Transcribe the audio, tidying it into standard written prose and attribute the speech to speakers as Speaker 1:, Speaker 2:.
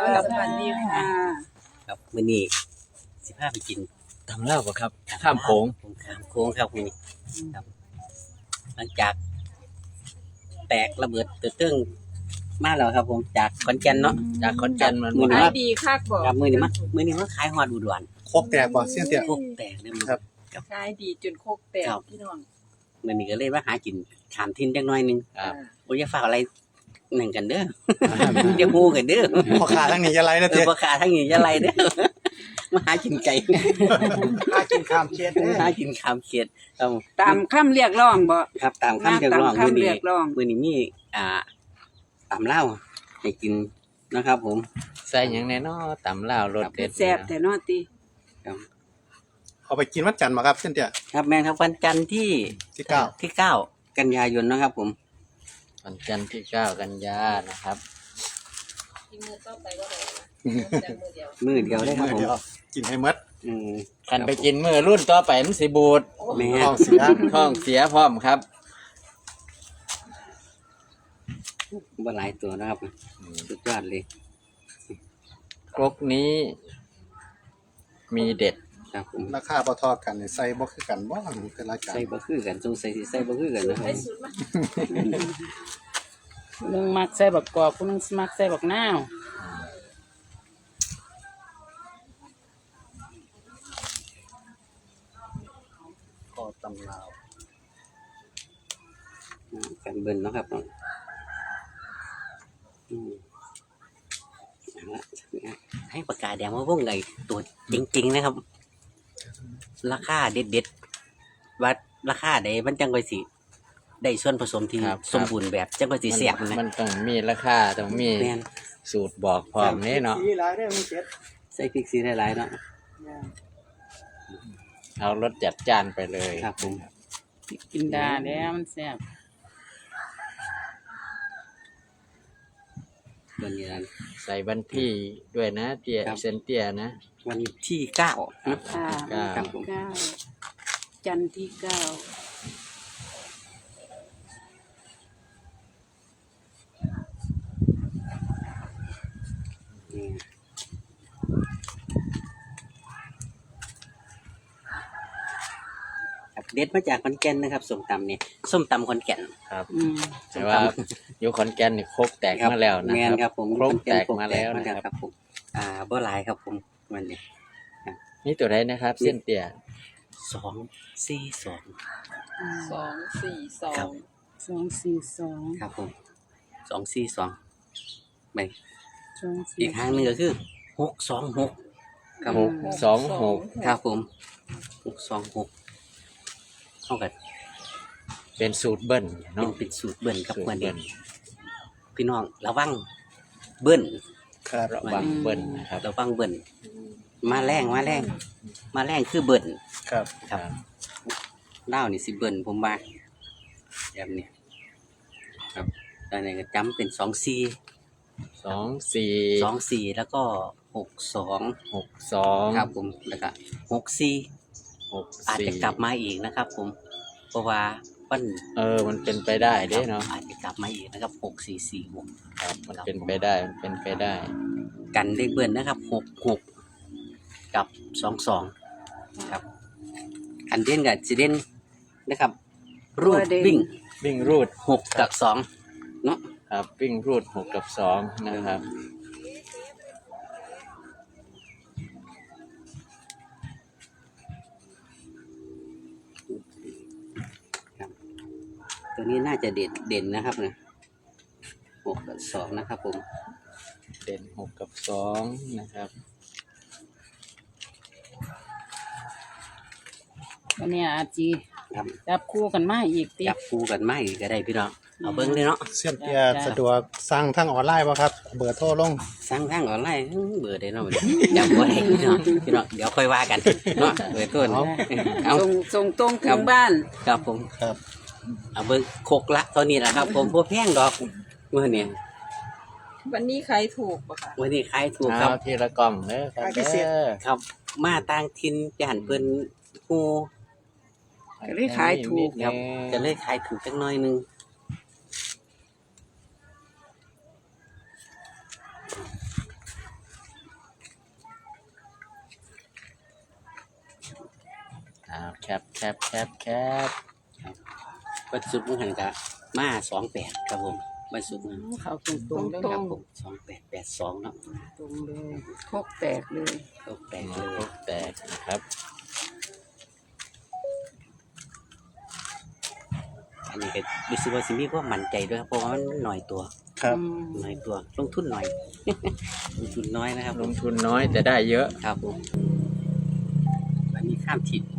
Speaker 1: สวัสดีค่ะ
Speaker 2: ครับมื้อนี้สิพาไปกิน
Speaker 3: ทำเล่าปะครับข้ามโขง
Speaker 2: ผมข้ามโค้งครับมื้อนี้ครับ หลังจาก แตกระเบิดเตื้องมาแล้วครับ ผมจากขอนแก่นเนาะ
Speaker 3: จากขอนแก่นมัน
Speaker 2: มื้อ
Speaker 1: ขา
Speaker 2: นี้
Speaker 1: ยดีคักบอก
Speaker 2: ครับมื้อนี้มาขายฮอดอุดร
Speaker 4: โคกแตกบ่เสี้ยนเตี้ย
Speaker 2: พวกแตกเด้อมื้อ
Speaker 4: ครับ
Speaker 1: ขายดีจนโคกแตกพี่น้อง
Speaker 2: มื้อนี้ก็เลยมาหากินข้ามถิ่นจักหน่อยหนึง
Speaker 3: ครับ
Speaker 2: บ่อย่าฝากอะไรนั่นกันเด้อ เดี๋ยวฮู้กันเด้อ
Speaker 4: พอขาทั้งนี้จะไรนะเตี้ย
Speaker 2: บ่ขาทั้งนี้อย่าไล่เด้อ มาหากินไก่
Speaker 4: หากินข้ามเช็ด
Speaker 2: หากินข้ามเขตครับ
Speaker 1: ตามคำเรียกร้องบ่
Speaker 2: ครับตามคำเรียกร้อง
Speaker 1: ตาม
Speaker 2: มื้อ
Speaker 1: คำเรี
Speaker 2: นี้
Speaker 1: ยกร้อง
Speaker 2: มื้อนี้มีตำเหล้าให้กินนะครับผม
Speaker 3: ใส่หยังแน่เนอตำเล่ารสเด็ด
Speaker 1: แซ่บแต่นอติ
Speaker 4: เอาไปกินวันจันทร์มาครับเสี้ยนเตี้ย
Speaker 2: ครับแม่ครับวันจันทร์ที่
Speaker 4: ที่เก้า
Speaker 2: ที่9กันยายนนะครับผม
Speaker 3: วันจันทร์ที่9 กันยานะครับ
Speaker 2: มื้อเดียวได้ครับผม
Speaker 4: เดียวกินให้หมด
Speaker 2: อืม
Speaker 3: คันไปกินมื้อรุ่นต่อไปมันสิบูด
Speaker 2: แม่
Speaker 4: ท้องเสีย
Speaker 3: ท้องเสียพร้อมครับ
Speaker 2: บ่หลายตัวนะครับสุดยอดเลย
Speaker 3: ครกนี้ มีเด็ด
Speaker 2: ครับผม
Speaker 4: ราคาบ่ทอกันนี่ใส่บ่คือกันบ่แต่ละจาน
Speaker 2: ใส่บ่คือกันสงสัยสิใส่บ่คือกันนะครับ
Speaker 5: นึงมักใส่บักกอกผู้นึงมักใส่บักนาว
Speaker 4: คอตำลาว
Speaker 2: กันเบิ่นเนาะครับอืมเอาละให้ปากกาแดงมาวงไงตัวจริงๆนะครับ ราคาเด็ดๆว่าราคาใดมันจังค่อยสิได้ส่วนผสมที่
Speaker 3: ครับ
Speaker 2: สมบูรณ์แบบจังค่อยสิแซ่บนะ
Speaker 3: มันต้องมีราคาต้องมี
Speaker 2: แม่น
Speaker 3: สูตรบอกพร้อมนี่เนาะ
Speaker 4: สีหลายได้อมันเจ็ด
Speaker 2: ใส่พริกสีหลายๆเนาะ
Speaker 3: เอารสจัดจ้านไปเลย
Speaker 2: ครับผม
Speaker 5: กินดาแล้วมันแซ่บ
Speaker 2: วันนี้นะ
Speaker 3: ใส่วันที่ด้วยนะเตี้ย
Speaker 2: ครับ
Speaker 3: เซนเตี้ยนะ
Speaker 2: วันที่9นะ
Speaker 5: ค่ะ
Speaker 3: เก้า
Speaker 2: ครับผม
Speaker 5: เก้าจันทร์ที่9
Speaker 2: นี่ครับเด็ดมาจากขอนแก่นนะครับส้มตำเนี่ยส้มตำขอนแก่น
Speaker 3: ครับ
Speaker 5: อืม
Speaker 3: แต่ว่าอยู่ขอนแก่นนี่ครกแตกมาแล้วนะ
Speaker 2: แมนครับผม
Speaker 3: ครกแตกมาแล้ว
Speaker 2: ขอน
Speaker 3: นะ
Speaker 2: ก่
Speaker 3: ครับ
Speaker 2: ผมบ่หลายครับผมวันนี้
Speaker 3: นี่ตัวไหนนะครับ เส้นเตี้ย
Speaker 2: 242
Speaker 1: 242
Speaker 2: ครับ
Speaker 5: 242
Speaker 2: ครับผม242ไป
Speaker 5: 242
Speaker 2: อีกครั้งหนึงก็คือ626ครับผม
Speaker 3: 626
Speaker 2: ครับผม626เท่ากับ
Speaker 3: เป็นสูตรเบิ้ล
Speaker 2: เป็
Speaker 3: เนาะ
Speaker 2: นเป็นสูตรเบิ้ลครับ
Speaker 3: สูตร
Speaker 2: วัน
Speaker 3: เบิ้
Speaker 2: นี้
Speaker 3: ล
Speaker 2: พี่น้องระวังเบิ้ล
Speaker 4: ครับ
Speaker 3: ระวังเบิ้ลนะครับ
Speaker 2: ระวังเบิ้ลมาแรงคือเบิ้ล
Speaker 4: ครับ
Speaker 2: ครับเล่าวนี่สิเบิ้ลผมว่าแบบนี้ครับตอนนี้ก็จำเป็น24 24แล้วก็62
Speaker 3: 62
Speaker 2: ครับผมแล้วก็64อาจจะกลับมาอีกนะครับ ผมเพราะว่ามัน
Speaker 3: มันเป็นไปได้เด้เนาะ
Speaker 2: อาจจะกลับมาอีกนะครับ6446
Speaker 3: ครับมันเป็นไปได้มันเป็นไปได้
Speaker 2: กันเลขเบิ้ลนะครับ66กับ22ครับอันเด่นกับสิเด่นนะครับ รูดวิ่ง
Speaker 3: วิ่งรูด
Speaker 2: 6กับ2เนาะ
Speaker 3: ครับวิ่งรูด6กับ2นะครับ
Speaker 2: ตัวนี้น่าจะเด่นนะครับนะ6กับ2นะครับผม
Speaker 3: เด่น6กับ2นะครับ
Speaker 5: วันนี้อาจี
Speaker 2: ครับ
Speaker 5: จับคู่กันมาอีกติ
Speaker 2: จับคู่กันมาอีกก็ได้พี่น้องเอาเบิ้งเลยเนาะ
Speaker 4: เสี้ยนเตี้ยสะดวกสั่งทางออนไลน์บ่ครับ เบอร์โทรลง
Speaker 2: สั่งทางออนไลน์เบอร์ได้เนาะเดี๋ยวบ่ได้พี่น้องเดี๋ยวค่อยว่ากันเนาะเบอร์ต้นเอา
Speaker 5: ส่งตรงถึงบ้าน
Speaker 2: ครับผม
Speaker 4: ครับ
Speaker 2: เอาเบิ้งโคกละตอนนี้นะครับ ผมพวกแพงดอกเมื่อนี้
Speaker 1: วันนี้ขายถูกปะคะ
Speaker 2: วันนี้ขายถูกครับ
Speaker 3: เอาทีละกล่องเด้อครับเด้อ
Speaker 2: ครับมาต่างถิ่นจานเพิ่นฮู้
Speaker 5: ก็เลยขายถูก
Speaker 2: ครับก็เลยขายถูกจักหน่อยนึง
Speaker 3: แคปแคปแคปแคป
Speaker 2: วันศุกร์มื้อหันก็มา28ครับผมวันศุกร์นะ
Speaker 5: เขาตรงๆเลยครับผม
Speaker 2: 2882เนาะ
Speaker 5: ตรงเลย
Speaker 1: โคกแตกเลย
Speaker 2: ตกแตกเลย
Speaker 3: โคกแตกนะครับ
Speaker 2: อันนี้ก็รู้สึกว่าสิมีความมั่นใจด้วยครับเพราะว่ามันหน่อยตัว
Speaker 4: ครับ
Speaker 2: หน่อยตัวลงทุนหน่อย ลงทุนน้อยนะครับ
Speaker 3: ลงทุนน้อยแต่ได้เยอะ
Speaker 2: ครับผมอันนี้ข้ามทิศ